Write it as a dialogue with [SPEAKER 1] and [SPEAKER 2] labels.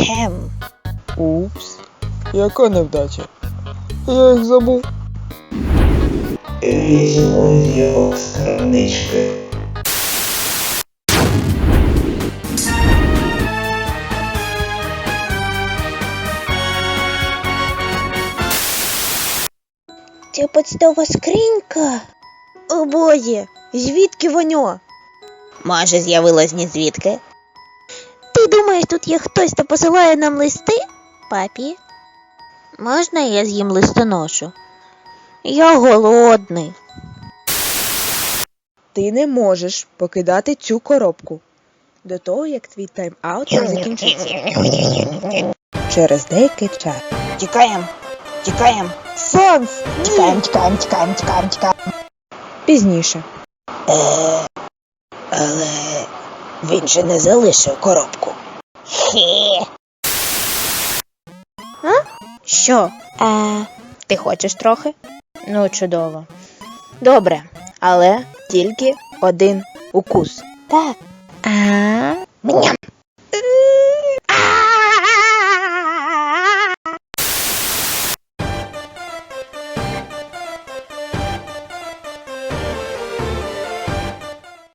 [SPEAKER 1] Упс, яка невдача. Я їх забув.
[SPEAKER 2] Візьму його з крамнички.
[SPEAKER 3] Це почтова скринька? О боже, звідки воно? Може, з'явилось ні звідки? Ти думаєш, тут є хтось, хто посилає нам листи, папі? Можна я з'їм листоношу? Я голодний.
[SPEAKER 1] Ти не можеш покидати цю коробку до того, як твій тайм-аут закінчиться. Через деякий час.
[SPEAKER 3] Тікаємо.
[SPEAKER 1] Санс!
[SPEAKER 3] Тікаємо.
[SPEAKER 1] Пізніше.
[SPEAKER 3] Але він же не залишив коробку. Що? Ти хочеш трохи? Ну, чудово. Добре, але тільки один укус. Так. Ням.